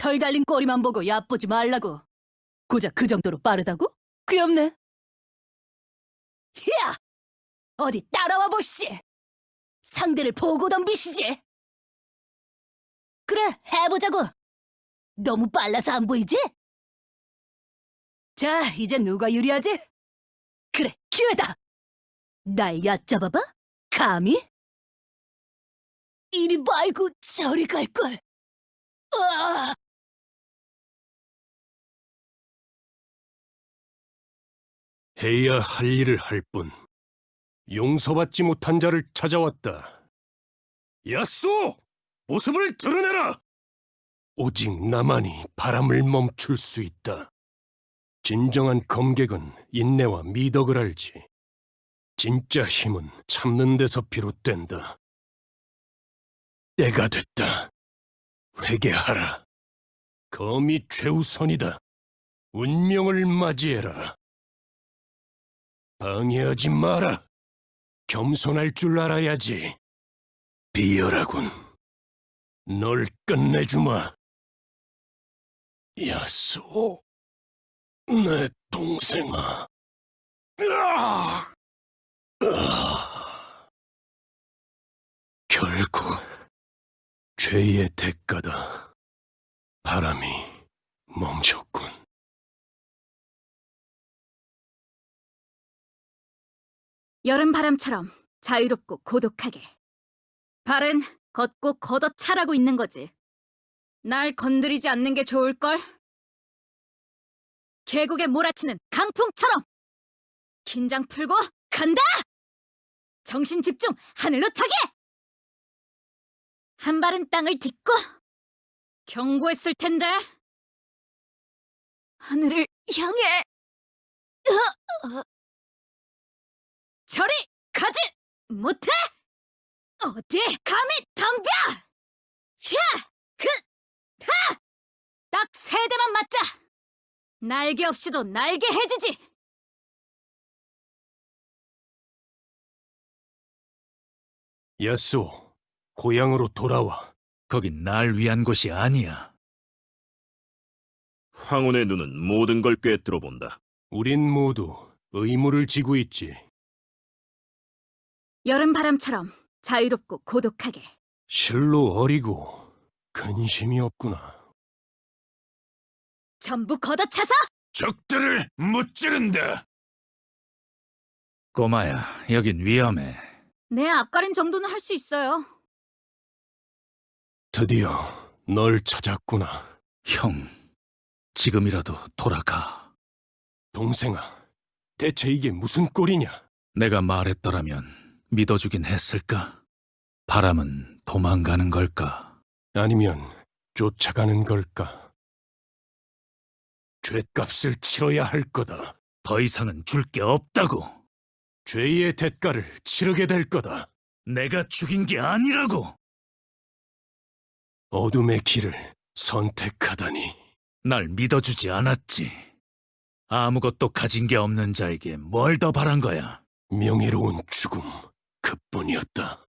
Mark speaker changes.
Speaker 1: 털 달린 꼬리만 보고 얕보지 말라고. 고작 그 정도로 빠르다고? 귀엽네. 히야! 어디 따라와 보시지. 상대를 보고 덤비시지. 그래, 해보자고. 너무 빨라서 안 보이지? 자, 이제 누가 유리하지? 그래, 기회다. 날 얕잡아봐? 감히? 이리 말고 저리 갈걸. 으아!
Speaker 2: 해야 할 일을 할 뿐 용서받지 못한 자를 찾아왔다. 야쏘! 모습을 드러내라! 오직 나만이 바람을 멈출 수 있다. 진정한 검객은 인내와 미덕을 알지. 진짜 힘은 참는 데서 비롯된다. 때가 됐다. 회개하라. 검이 최우선이다. 운명을 맞이해라. 방해하지 마라. 겸손할 줄 알아야지. 비열하군. 널 끝내주마. 야쏘, 내 동생아. 으아! 결국 죄의 대가다. 바람이 멈췄군.
Speaker 3: 여름바람처럼 자유롭고 고독하게. 발은 걷고 걷어차라고 있는 거지. 날 건드리지 않는 게 좋을걸? 계곡에 몰아치는 강풍처럼! 긴장 풀고 간다! 정신 집중, 하늘로 차게! 한 발은 땅을 딛고 경고했을 텐데. 하늘을 향해 저리 가지 못해! 어디 감히 덤벼! 샤! 하! 딱 세 대만 맞자! 날개 없이도 날개 해주지!
Speaker 2: 야쏘, 고향으로 돌아와.
Speaker 4: 거긴 날 위한 곳이 아니야.
Speaker 5: 황혼의 눈은 모든 걸 꿰뚫어 본다.
Speaker 2: 우린 모두 의무를 지고 있지.
Speaker 3: 여름바람처럼 자유롭고 고독하게.
Speaker 2: 실로 어리고 근심이 없구나.
Speaker 3: 전부 걷어차서
Speaker 4: 적들을 무찌른다. 꼬마야, 여긴 위험해.
Speaker 3: 내 앞가림 정도는 할 수 있어요.
Speaker 2: 드디어 널 찾았구나.
Speaker 4: 형, 지금이라도 돌아가.
Speaker 2: 동생아, 대체 이게 무슨 꼴이냐?
Speaker 4: 내가 말했더라면 믿어주긴 했을까? 바람은 도망가는 걸까?
Speaker 2: 아니면 쫓아가는 걸까? 죗값을 치러야 할 거다.
Speaker 4: 더 이상은 줄 게 없다고.
Speaker 2: 죄의 대가를 치르게 될 거다.
Speaker 4: 내가 죽인 게 아니라고.
Speaker 2: 어둠의 길을 선택하다니.
Speaker 4: 날 믿어주지 않았지. 아무것도 가진 게 없는 자에게 뭘 더 바란 거야?
Speaker 2: 명예로운 죽음 그뿐이었다.